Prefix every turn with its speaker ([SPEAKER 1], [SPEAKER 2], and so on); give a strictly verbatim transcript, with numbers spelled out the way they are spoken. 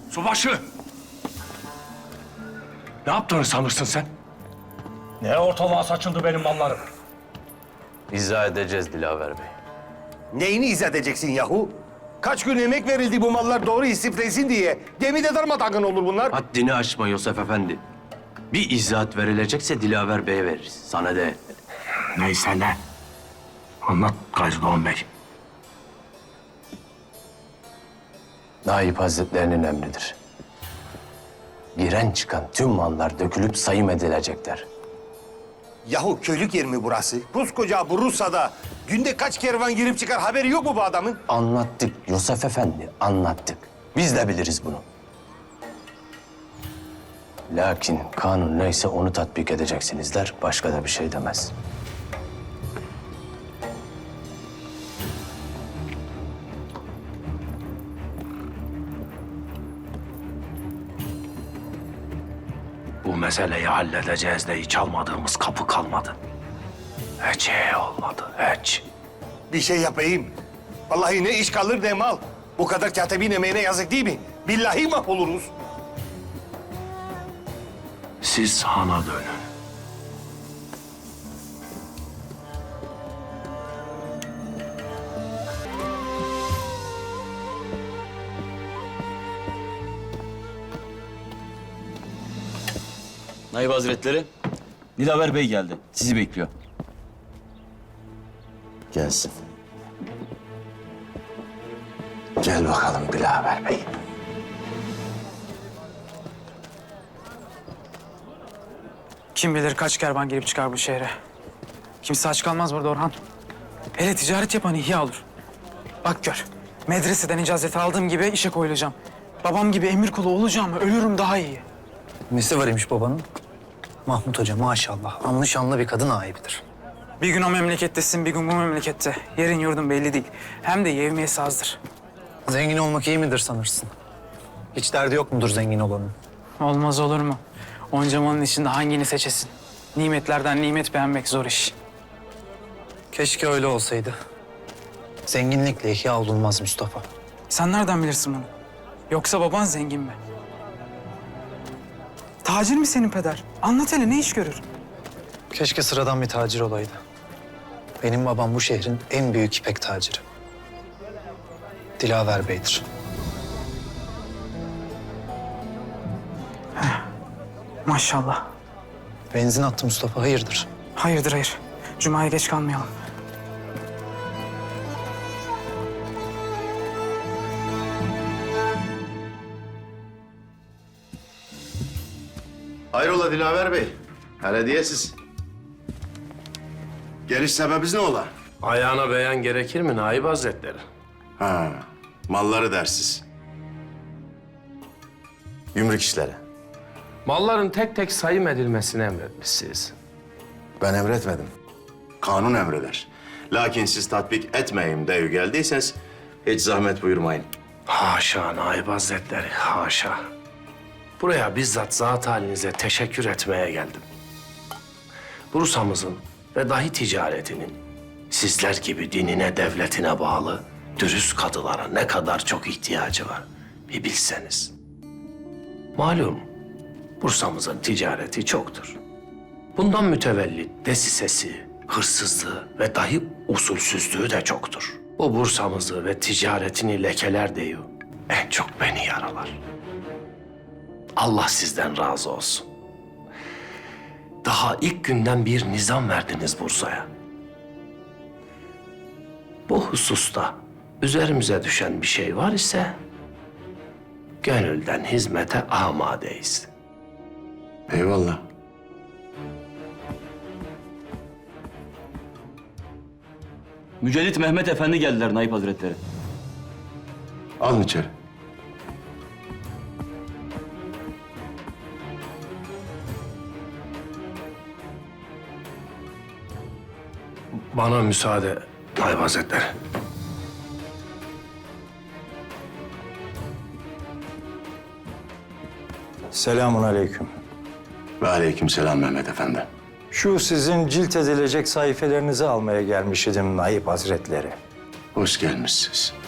[SPEAKER 1] Subaşı! Ne yaptığını sanırsın sen?
[SPEAKER 2] Ne ortalığa saçıldı benim mallarım?
[SPEAKER 3] İzah edeceğiz Dilaver Bey.
[SPEAKER 4] Neyini izah edeceksin yahu? Kaç gün emek verildi bu mallar doğru istiflesin diye. Gemide darmadağın olur bunlar.
[SPEAKER 3] Haddini aşma Yosef Efendi. Bir izahat verilecekse Dilaver Bey'e veririz. Sana de.
[SPEAKER 1] Neyse ne? Anlat Gazi Doğan Bey.
[SPEAKER 3] Naip Hazretlerinin emridir. Giren çıkan tüm mallar dökülüp sayım edilecekler.
[SPEAKER 4] Yahu köylük yer mi burası? Koskoca bu Rusya'da günde kaç kervan girip çıkar haberi yok mu bu adamın?
[SPEAKER 3] Anlattık Yosef Efendi, anlattık. Biz de biliriz bunu. Lakin kanun neyse onu tatbik edeceksinizler, başka da bir şey demez.
[SPEAKER 1] Bu meseleyi halledeceğiz de hiç almadığımız kapı kalmadı. Hiç iyi olmadı, hiç.
[SPEAKER 4] Bir şey yapayım. Vallahi ne iş kalır ne mal. Bu kadar katibin emeğine yazık değil mi? Billahi mahvoluruz.
[SPEAKER 1] Siz hana dönün.
[SPEAKER 5] Naip Hazretleri, Dilaver Bey geldi. Sizi bekliyor.
[SPEAKER 3] Gelsin. Gel bakalım Dilaver Bey.
[SPEAKER 6] Kim bilir kaç kervan girip çıkar bu şehre. Kimse aç kalmaz burada Orhan. Hele ticaret yapan ihya olur. Bak gör, medreseden icazeti aldığım gibi işe koyulacağım. Babam gibi emir kulu olacağım, ölürüm daha iyi.
[SPEAKER 7] Nesi var imiş babanın? Mahmut Hoca maşallah anlı şanlı bir kadın ahibidir.
[SPEAKER 6] Bir gün o memlekettesin, bir gün bu memlekette. Yerin yurdun belli değil. Hem de yevmiyesi azdır.
[SPEAKER 7] Zengin olmak iyi midir sanırsın? Hiç derdi yok mudur zengin olanın?
[SPEAKER 6] Olmaz olur mu? Onca malın içinde hangini seçesin? Nimetlerden nimet beğenmek zor iş.
[SPEAKER 7] Keşke öyle olsaydı. Zenginlikle ihya olunmaz Mustafa.
[SPEAKER 6] Sen nereden bilirsin bunu? Yoksa baban zengin mi? Tacir mi senin peder? Anlat hele, ne iş görür?
[SPEAKER 7] Keşke sıradan bir tacir olaydı. Benim babam bu şehrin en büyük ipek taciri. Dilaver Bey'dir.
[SPEAKER 6] Maşallah.
[SPEAKER 7] Benzin attı Mustafa, hayırdır?
[SPEAKER 6] Hayırdır hayır. Cuma'ya geç kalmayalım.
[SPEAKER 8] Hayrola Dilaver Bey? Hele diyesiz. Geliş sebebiniz ne ola?
[SPEAKER 1] Ayağına beyan gerekir mi Naip Hazretleri?
[SPEAKER 8] Ha, malları dersiz. Gümrük işleri.
[SPEAKER 9] Malların tek tek sayım edilmesini emretmişsiniz.
[SPEAKER 8] Ben emretmedim. Kanun emreder. Lakin siz tatbik etmeyeyim diye geldiyseniz hiç zahmet buyurmayın.
[SPEAKER 1] Haşa Naip Hazretleri, haşa. Buraya bizzat zat halinize teşekkür etmeye geldim. Bursa'mızın ve dahi ticaretinin sizler gibi dinine, devletine bağlı dürüst kadılara ne kadar çok ihtiyacı var bir bilseniz. Malum Bursa'mızın ticareti çoktur. Bundan mütevellit desisesi, hırsızlığı ve dahi usulsüzlüğü de çoktur. Bu Bursa'mızı ve ticaretini lekeler diyor. En çok beni yaralar. Allah sizden razı olsun. Daha ilk günden bir nizam verdiniz Bursa'ya. Bu hususta üzerimize düşen bir şey var ise gönülden hizmete amadeyiz.
[SPEAKER 8] Eyvallah.
[SPEAKER 5] Mücellit Mehmet Efendi geldiler Naip Hazretleri.
[SPEAKER 8] Alın içeri.
[SPEAKER 1] Bana müsaade Naip Hazretleri.
[SPEAKER 10] Selamun aleyküm.
[SPEAKER 8] Ve aleykümselam Mehmet Efendi.
[SPEAKER 10] Şu sizin cilt edilecek sayfelerinizi almaya gelmiş idim Naip Hazretleri.
[SPEAKER 8] Hoş gelmişsiniz.